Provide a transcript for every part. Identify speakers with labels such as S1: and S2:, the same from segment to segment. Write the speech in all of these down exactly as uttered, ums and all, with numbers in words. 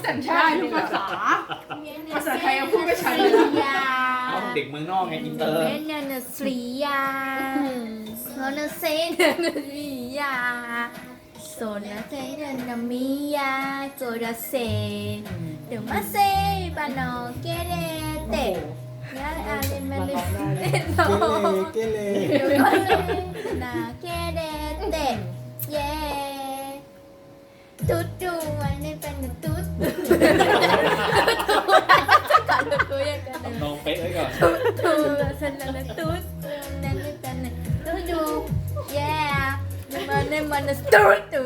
S1: สัญชาติทุกภาษาภาษาไทยยังพูดไม่ชัดเลยนะ
S2: เอาเด็กเมืองนอกไงอินเตอร์
S3: เนเนสรียาโซนเซนเนรียาโซนเซนเนมิยาโซดาเซเดี๋ยวมาเซปานอเกเรเตยาอาเลมาเลเตโน
S4: เกเร
S3: เดี๋ยวมาเลนาเกเรเตเย่ตุ๊ดดูวันนี้เป็นตุ๊ดก่อนตัวยังกัน
S2: ทำนองเป๊ะไว้ก่อน
S3: ตูสันนันตูนั่นนั่นตูดูเย้มันเนี่ยมันตูตู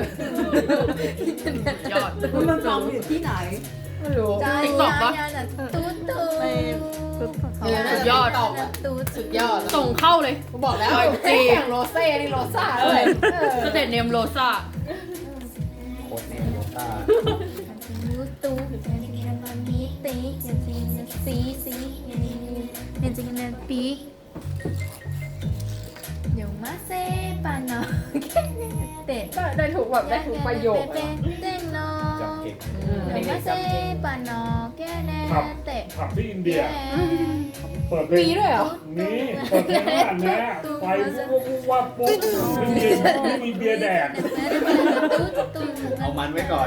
S1: ยอด
S4: มันฟังอยู่ที่ไหน
S1: ไม่รู้
S3: ใจ
S1: ติ๊กต็อกปะ
S3: ตูตู
S1: เออสุดยอด
S3: ตู
S1: สุดยอดส่งเข้าเลยกูบอกแล้วจริงโรเซ่นี่โรซ่าเลยสเตตเนมโรซ่า
S2: โคตรเนมโรต้า
S3: ตูตูมันมีตีอย่างจริงสีสีอย่างจริงนั่นปีเดี๋ยวมาเซปานอเตะ
S1: ได้ถูกแบบได้ถูกประโยค
S3: เต้นนอ
S2: จำเก่ง
S3: เดี๋ยวมาเซปานอแกแน่เตะ
S5: ผับที่อินเดีย เปิดเพล
S1: มี
S5: ง
S1: ด้วยเหรอ
S5: นี่เปิดเพลงขนาดนี้ไฟวุบวุบวับปุ๊บไม่มีไม่มีเบียร์แดก
S2: เอามันไว้ก่อน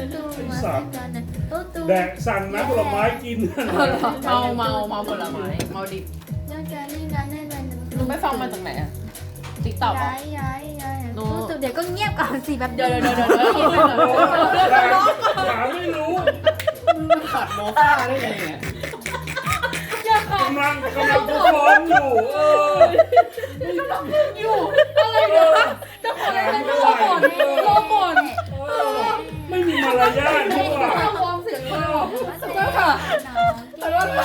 S5: แดกสั่งน้ำผลไม้กิน
S1: เมาเมาเมาผลไม้เมาดิบมึงไม่ฟังมาจากไหนอะติ๊กต็อก
S3: ย้ายย้ายย้ายเดี๋ยวก็เงียบก่อนสิแบบ
S1: เดี๋ยวเดี๋ยวเดี๋ยวเดี๋ยวเดี๋ยว
S5: หาไม่รู้
S2: ขัดโมต้าได้ไงเนี่ย
S5: กำลังกำลังทุกคนอยู่เออ
S1: อยู่อะไรนะจะขออะไรนะรอก่อนรอก่อน
S5: ไม่มีมารยาทพวกอ่ะ
S1: วอร์มเสียงก่อนขอโทษค่ะขอโทษค่ะ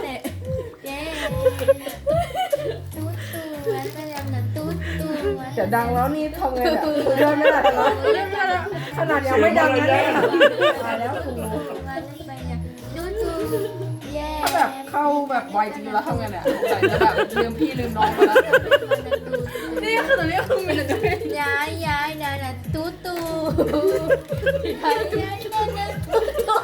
S3: เดี๋ยวดังแล้วนี่
S4: ทำไงเนี่ยเดินไม่ได้แล้วขนาดยังไม่ดังนะเนี่ยตายแล้วครู
S1: ถ้าแบบเข้าแบบไวจริงแล้วทำไงเนี่ยใส่จะแบบลืมพี่ลืมน้องไปแล้วนี่คือตอนนี้คือมันจะไม่
S3: ย้ายย้ายย้ายนะตูตูย้ายย้ายย้ายนะตูตู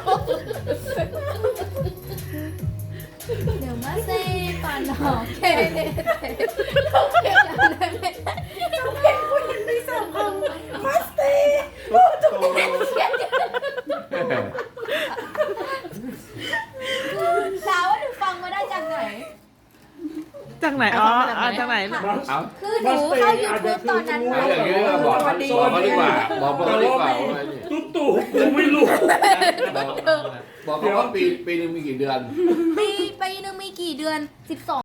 S3: เดี๋ยวมาเซ่ปานหอกเคเนเดี๋ยวอะไรไม่สาวว่าหนูฟังมาได้จากไหน
S6: จากไหน อ๋ออ่าจากไหน
S2: เอา
S3: คือหนูเข้า YouTube ตอนนั้น
S7: เอาอย่างนี้ก็บอกบอกเขาดีกว่าบอกบอกเขาดีกว่าว่า
S5: ตุ๊ดตู่กูไม่รู้
S7: บอกบอกเขาว่าปีปีนึงมีกี่เดือน
S3: ปีปีนึงมีกี่เดือนสิบสอง